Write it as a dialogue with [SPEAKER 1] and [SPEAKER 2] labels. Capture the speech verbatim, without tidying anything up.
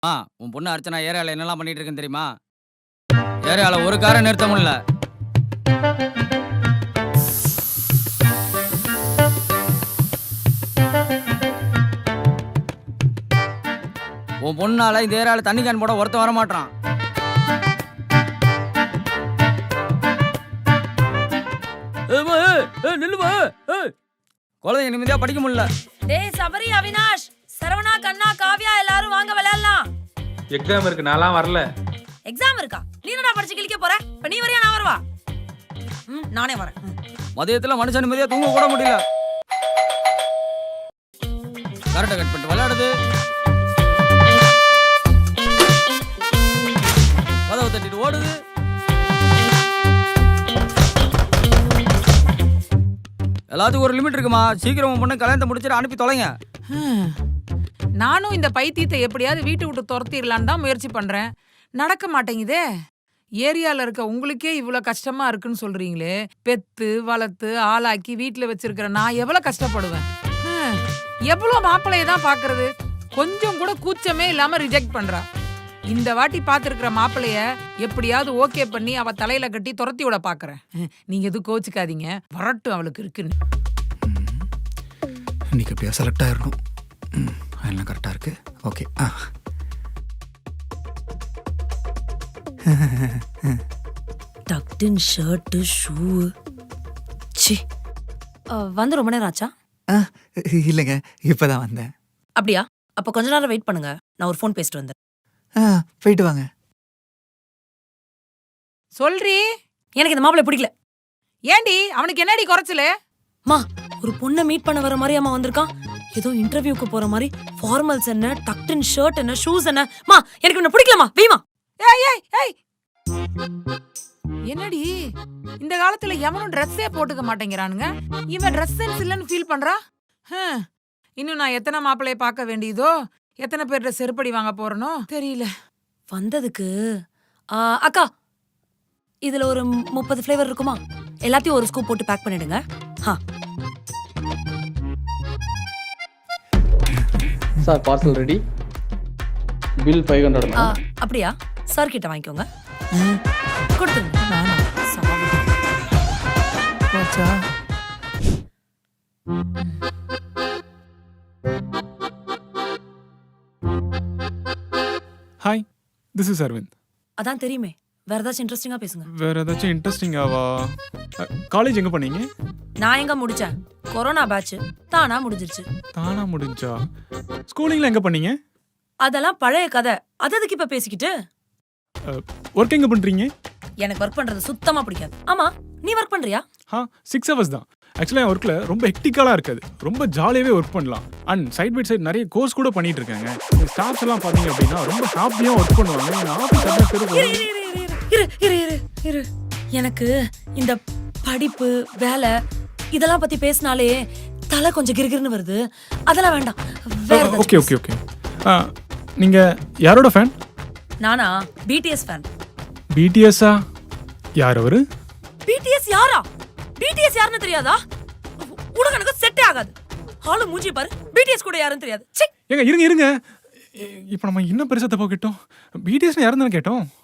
[SPEAKER 1] ஆ உன் பொண்ணு அர்ச்சனா ஏரியாவில் என்னெல்லாம் பண்ணிட்டு இருக்குன்னு தெரியுமா? ஏரியாவில் ஒரு காரை நிறுத்த முடியல. உன் பொண்ணால இந்த ஏரியாவில் தண்ணி கேன் போட ஒருத்தன் வர மாட்டான். குழந்தைங்க நிம்மதியா படிக்க முடியல.
[SPEAKER 2] டேய் சபரி, அவினாஷ், சரவணா, கண்ணா, காவ்யா எல்லாரும் வாங்க விளையாடலாம்.
[SPEAKER 3] எக்ஸாம் இருக்கு, நான்லாம் வரல.
[SPEAKER 2] எக்ஸாம் இருக்கா? நீ என்னடா படிச்சு கிழிக்க போற? இப்ப நீ வரையா நான் வரவா? ம், நானே வரேன்.
[SPEAKER 1] மதியத்துல மனுஷன் நிம்மதியா தூங்க கூட முடியல. கரெக்டா கட் பண்ணிட்டு விளையாடுது. கதவை தட்டிட்டு ஓடுது. எல்லாத்துக்கும் ஒரு லிமிட் இருக்குமா? சீக்கிரம் உன் பொண்ணு கல்யாணத்தை முடிச்சுட்டு அனுப்பி தொலைங்க.
[SPEAKER 4] நானும் இந்த பைத்தியத்தை எப்படியாவது வீட்டை விட்டு துரத்திடலான்னு தான் முயற்சி பண்றேன். நடக்க மாட்டேங்குதே. ஏரியால இருக்க உங்களுக்கே இவ்வளவு கஷ்டமா இருக்குன்னு சொல்றீங்களே, பெத்து வளர்த்து ஆளாக்கி வீட்டுல வச்சிருக்கிற நான் எவ்வளவு கஷ்டப்படுவேன். ஹம், எவ்வளவு மாப்பிள்ளைய தான் பாக்குறது, கொஞ்சம் கூட கூச்சமே இல்லாம ரிஜெக்ட் பண்றா. இந்த வாட்டி பாத்துருக்கிற மாப்பிள்ளைய எப்படியாவது ஓகே பண்ணி அவ தலையில கட்டி துரத்தி விட பாக்குறேன். நீங்க எதுவும் கோச்சுக்காதீங்க, வரட்டும் அவளுக்கு இருக்குன்னு.
[SPEAKER 5] இன்னைக்கு எப்படியா செலக்ட் ஆயிடணும். எல்லாம் கரெக்டாக இருக்கு. ஓகே. ஆ
[SPEAKER 2] டக்டின் ஷர்ட் ஷூ. சி வந்து ரொம்ப நேரம் ஆச்சா?
[SPEAKER 5] ஆ இல்லைங்க, இப்போதான் வந்தேன்.
[SPEAKER 2] அப்படியா? அப்ப கொஞ்ச நேரம் வெயிட் பண்ணுங்க, நான் ஒரு ஃபோன் பேசிட்டு வந்தேன்.
[SPEAKER 5] ஆ போயிட்டு வாங்க.
[SPEAKER 4] சொல்றி,
[SPEAKER 2] எனக்கு இந்த மாப்பிள்ளை பிடிக்கல.
[SPEAKER 4] ஏண்டி அவனுக்கு என்னடி குறைச்சல?
[SPEAKER 2] மா, ஒரு பொண்ணை மீட் பண்ண வர மாதிரி அம்மா வந்திருக்கான். ஏதோ இன்டர்வியூக்கு போற மாதிரி ஃபார்மல்ஸ் என்ன, டக்டின் ஷர்ட் என்ன, ஷூஸ் என்ன. மா, எனக்கு இவனை பிடிக்கலமா, வீமா.
[SPEAKER 4] ஏய் ஏய் ஏய், என்னடி இந்த காலத்துல எவனும் ட்ரெஸ்ஸே போட்டுக்க மாட்டேங்கிறானுங்க. இவன் ட்ரெஸ் சென்ஸ் இல்லைன்னு ஃபீல் பண்றா. ஹம், இன்னும் நான் எத்தனை மாப்பிள்ளைய பார்க்க வேண்டியதோ, எத்தனை பேர்கிட்ட செருப்படி வாங்க போறனோ தெரியல.
[SPEAKER 2] வந்ததுக்கு ஆ, அக்கா, இதுல ஒரு முப்பது ஃப்ளேவர் இருக்குமா? எல்லாத்தையும் ஒரு ஸ்கூப் போட்டு பேக் பண்ணிடுங்க. ஹா.
[SPEAKER 3] Sir parcel ready. Bill five hundred.
[SPEAKER 2] ஆ, அப்படியா? சார் கிட்ட வாங்கிக்கோங்க. கொடுத்துருங்க. சாரி.
[SPEAKER 5] போச்சா?
[SPEAKER 6] Hi, this is Aravind.
[SPEAKER 2] அதான் தெரியுமே. வேற ஏதாச்சும் இன்ட்ரெஸ்டிங்கா பேசுங்க.
[SPEAKER 6] வேற ஏதாச்சும் இன்ட்ரெஸ்டிங்காவா? காலேஜ் எங்க பண்ணீங்க?
[SPEAKER 2] நான் எங்க முடிச்சேன்? கொரோனா பேட்ச் தானா முடிஞ்சிருச்சு.
[SPEAKER 6] தானா முடிஞ்சா? ஸ்கூலிங்ல எங்க பண்ணீங்க?
[SPEAKER 2] அதெல்லாம் பழைய கதை. அது எதுக்கு இப்ப பேசிக்கிட்டு?
[SPEAKER 6] ஒர்க் எங்க பண்றீங்க?
[SPEAKER 2] எனக்கு ஒர்க் பண்றது சுத்தமா பிடிக்காது. ஆமா, நீ ஒர்க் பண்றியா?
[SPEAKER 6] ஆ, சிக்ஸ் ஹவர்ஸ் தான். ஆக்சுவலாக என் ஒர்க்கில் ரொம்ப ஹெக்டிக்கலாக இருக்காது, ரொம்ப ஜாலியாகவே ஒர்க் பண்ணலாம். அண்ட் சைட் பை சைட் நிறைய கோர்ஸ் கூட பண்ணிட்டு இருக்காங்க. ஸ்டாஃப்ஸ் எல்லாம் பார்த்தீங்க அப்படின்னா ரொம்ப ஹாப்பியாக ஒர்க் பண்ணுவாங்க.
[SPEAKER 2] இரு இரு இரு இரு. எனக்கு இந்த படிப்பு வேலை இதெல்லாம் பத்தி பேசினாலே தலை கொஞ்சம் கிறுகிறுன்னு வருது. அதெல்லாம் வேண்டாம்.
[SPEAKER 6] Okay okay okay. நீங்க யாரோட ஃபேன்?
[SPEAKER 2] நானா பிடிஎஸ் ஃபேன்.
[SPEAKER 6] பிடிஎஸ்ஸா? யார் அவரு?
[SPEAKER 2] பிடிஎஸ் யாரா? பிடிஎஸ் யாருன்னு தெரியாதா? உனக்கு எனக்கு செட்டே ஆகாது. ஆளு மூஞ்சி பாரு, பிடிஎஸ் கூட யாருன்னு தெரியாது.
[SPEAKER 6] ஏங்க இருங்க இருங்க, இப்போ நம்ம இன்னும் பெருசா தப்பா கேட்டோம். பிடிஎஸ் யாருன்னு கேட்டோம்.